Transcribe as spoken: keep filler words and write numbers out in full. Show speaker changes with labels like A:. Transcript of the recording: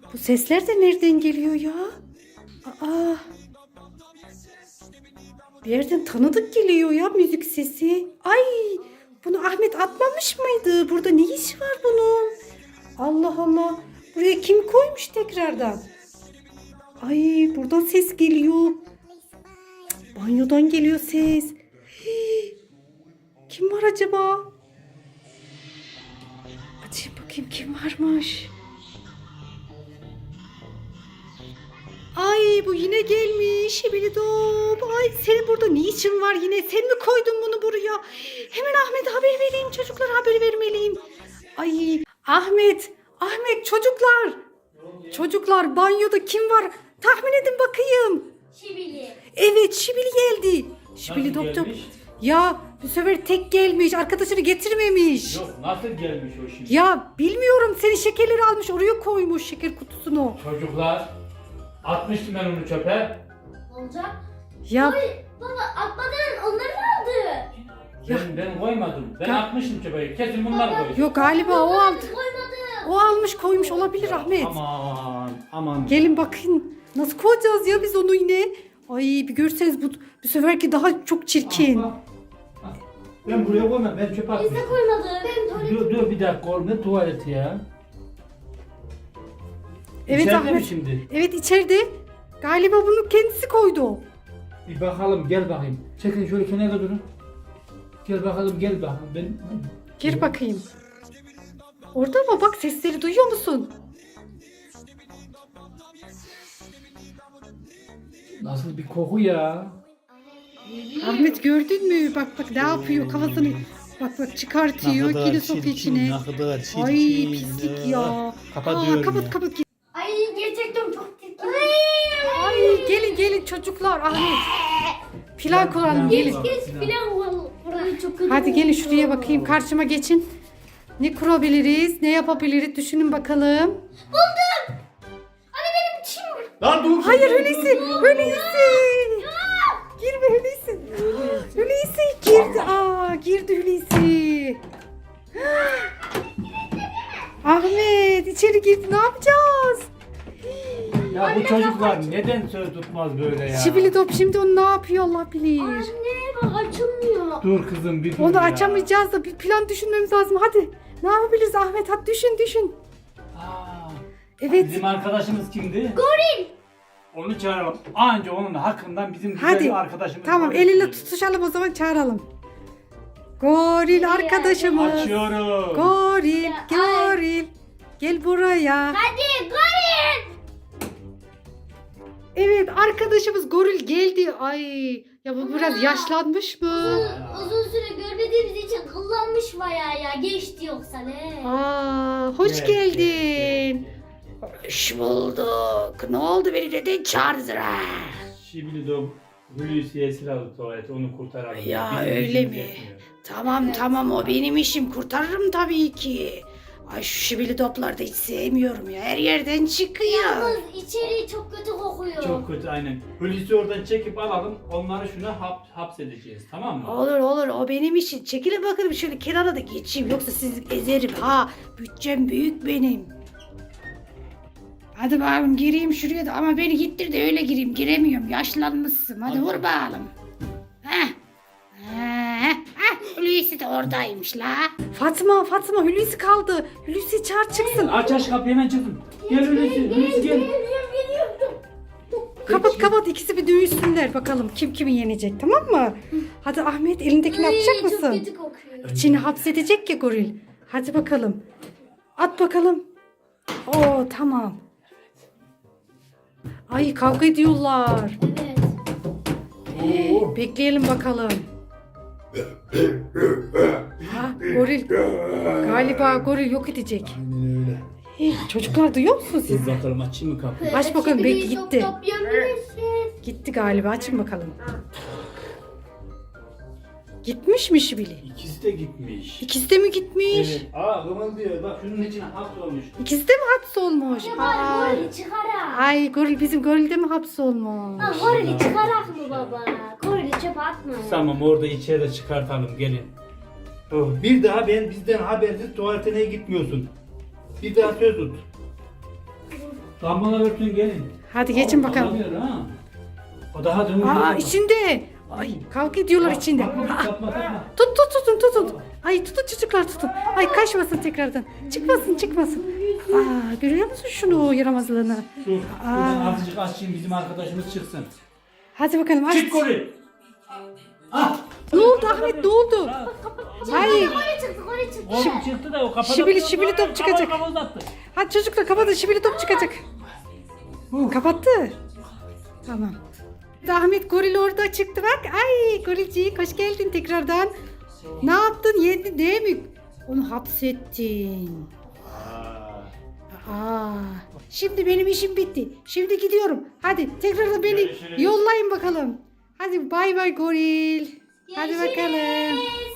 A: Bu sesler de nereden geliyor ya? Aa. Bir yerden tanıdık geliyor ya müzik sesi. Ay, bunu Ahmet atmamış mıydı? Burada ne işi var bunun? Allah Allah. Buraya kim koymuş tekrardan? Ay, buradan ses geliyor. Cık, banyodan geliyor ses. Hii. Kim var acaba? Açayım bakayım kim varmış. Ay, bu yine gelmiş. Şibilidop. Ay, senin burada ne işin var yine? Sen mi koydun bunu buraya? Hemen Ahmet'e haber vereyim. Çocuklara haber vermeliyim. Ay, Ahmet. Ahmet, çocuklar. Çocuklar, banyoda kim var? Tahmin edin bakayım.
B: Şibili.
A: Evet, Şibili geldi. Şibili
C: Nasıl
A: doktor.
C: gelmiş?
A: Ya bu sefer tek gelmiş. Arkadaşını getirmemiş.
C: Yok, nasıl gelmiş o şimdi?
A: Ya bilmiyorum, senin şekerleri almış oraya koymuş, şeker kutusunu.
C: Çocuklar, atmıştım ben onu çöpe.
B: Ne olacak?
A: Ya
B: Oy, baba atmadan onları mı aldı?
C: Ben, ben koymadım. Ben
A: Ya-
C: atmıştım çöpe. Kesin bunlar
B: Baba-
C: koydu.
A: yok galiba o aldı.
B: Koymadı.
A: O almış koymuş olabilir Ahmet.
C: Aman, aman.
A: Gelin bakın. Nasıl koyacağız ya biz onu yine? Ay, bir görseniz bu, bu seferki daha çok çirkin.
C: Ah, ah. Ben buraya koymam. Ben çöpe
B: Biz
C: atmıştım.
B: de koymadı. Ben tuvalet.
C: Dur, dur bir dakika. Oğlum, ne tuvaleti ya?
A: Evet
C: İçeride
A: Ahmet.
C: mi şimdi?
A: Evet, içeride. Galiba bunu kendisi koydu.
C: Bir bakalım, gel bakayım. Çekin şöyle kenara durun. Gel bakalım, gel bakalım. Ben...
A: Gir bakayım. Orada mı? Bak, sesleri duyuyor musun?
C: Nasıl bir koku ya?
A: Ahmet, gördün mü? Bak bak ne yapıyor kafasını. Bak bak çıkartıyor. Yine sokuyor içine.
D: Ne kadar çirkin.
A: Ay, pislik ya.
D: Kapatıyorum
A: Aa, kapat
D: ya.
A: kapat.
B: Ay gerçekten çok tepki.
A: Ay, gelin gelin çocuklar. Ahmet. Plan kuralım,
C: Plan
A: gelin.
C: kuralım.
B: Geç filan var. Burayı çok kötü.
A: Hadi gelin
B: oldu.
A: şuraya bakayım. Karşıma geçin. Ne kurabiliriz? Ne yapabiliriz? Düşünün bakalım.
B: Buldum. Anne benim çim.
C: Lan dur.
A: Hayır, Hulusi. Hulusi. Girme Hulusi. Hulusi girdi. Aa, girdi Hulusi. Ahmet içeri girdi. Ne yapacağız?
C: Ya bu çocuklar neden söz tutmaz böyle ya?
A: Şibili top şimdi onu ne yapıyor Allah bilir.
B: Anne bak açılmıyor.
C: Dur kızım bir dur
A: Onu
C: ya.
A: açamayacağız da bir plan düşünmemiz lazım. Hadi. Ne yapabiliriz Ahmet? Hadi düşün düşün.
C: Aa,
A: Evet.
C: Bizim arkadaşımız kimdi?
B: Goril.
C: Onu çağıralım. Anca onun hakkından bizim güzel
A: Hadi.
C: bir arkadaşımız.
A: Tamam,
C: var.
A: eliyle tutuşalım o zaman, çağıralım. Goril arkadaşımız.
C: Açıyorum.
A: Goril,
B: Ya,
A: goril. Gel buraya.
B: Hadi goril.
A: Evet, arkadaşımız goril geldi. Ay, ya bu biraz
B: Aa.
A: yaşlanmış mı?
B: Uzun, uzun süre görmediğimiz için kullanmış bayağı ya. Geçti yoksa ne?
A: Aa, hoş
C: Gel,
A: geldin. Hoş bulduk. Ne oldu, beni neden çağırdın ha?
C: Şimdi de Hulusi esir aldı tuvalete, onu kurtaralım.
A: Ya,
C: Bizim
A: öyle
C: işimiz
A: mi?
C: yetmiyor.
A: Tamam tamam, o benim işim, kurtarırım tabii ki. Ay, şu şibili topları da hiç sevmiyorum ya. Her yerden çıkıyor.
B: Yalnız içeri çok kötü kokuyor.
C: Çok kötü aynen. Hulusi oradan çekip alalım, onları şuna hap, hapsedeceğiz, tamam mı?
A: Olur olur, o benim işim. Çekilin bakalım şöyle kenara da geçeyim. Yoksa sizi ezerim ha. Bütçem büyük benim. Hadi bakalım gireyim şuraya da, ama beni gittir de öyle gireyim. Giremiyorum, yaşlanmışsın. Hadi vur bakalım. Heh. Heh. Heh. Hulusi de oradaymış la. Fatma Fatma, Hulusi kaldı. Hulusi çağır çıksın.
C: Aç aç kapıyı, hemen çıkın. Gel Hulusi, Hulusi gel.
B: Geliyorum geliyorum.
A: Kapat kapat, ikisi bir dövüşsünler bakalım kim kimi yenecek, tamam mı? Hadi Ahmet, elindekini
B: Ay,
A: atacak
B: Çok
A: mısın?
B: kötü kokuyor.
A: İçini hapsedecek ya goril. Hadi bakalım. At bakalım. Oo, tamam. Ay, kavga ediyorlar.
B: Evet.
C: Oo.
A: Bekleyelim bakalım. Ha, goril. Galiba goril yok edecek.
D: Aynen öyle.
A: Hey, çocuklar duyuyor musunuz siz?
C: Dur bakalım, açayım mı kapıyı?
A: Aç bakalım, belki
B: Şibili
A: gitti.
B: top top yapabilirsiniz.
A: Gitti galiba, açın bakalım. Gitmiş mi Şibili?
C: İkisi de gitmiş.
A: İkisi de mi gitmiş?
C: Evet. Aa, kımıldıyor. Bak şunun içine hapsolmuş.
A: İkisi de mi hapsolmuş?
B: Ya
A: Aa.
B: bari gorili çıkarak.
A: Ay, goril, bizim goril de mi hapsolmuş?
B: Ha, gorili çıkarak mı baba? Gorili çöpe atma.
C: Tamam, orada içeri çıkartalım, gelin. Oh, bir daha ben bizden habersiz tuvaletine gitmiyorsun. Bir daha söz tut. Lambalar örtün gelin.
A: Hadi geçin
C: Al-
A: bakalım.
C: alamıyor ha. O daha dönüyor.
A: Aa içinde. Ay kavga ediyorlar
C: Bak,
A: içinde.
C: bakma,
A: Aa,
C: yapma, yapma.
A: tut tut tutun tutun. Ay tutun çocuklar tutun. Ay kaçmasın tekrardan. Çıkmasın çıkmasın. Aa görüyor musun şunu yaramazlığını?
C: Dur.
A: Aa.
C: Buradan azıcık açayım bizim arkadaşımız çıksın.
A: Hadi bakalım aç.
C: Çık golü. Ah.
A: Ne oldu Ahmet ne oldu? Hayır.
B: Oraya çıktı oraya çıktı.
C: Oğlum çıktı da o kapadı.
A: Şibili, şibili top çıkacak.
C: Kafa uzattı.
A: Hadi çocuklar kapatın şibili top çıkacak. Kapattı. Tamam. Ahmet goril orada çıktı bak. Ay gorilcik hoş geldin tekrardan. Ne yaptın yedin değil mi? Onu hapsettin. Aa, şimdi benim işim bitti. Şimdi gidiyorum. Hadi tekrardan beni
C: Görüşürüz.
A: yollayın bakalım. Hadi bay bay goril. Hadi bakalım.
B: Görüşürüz.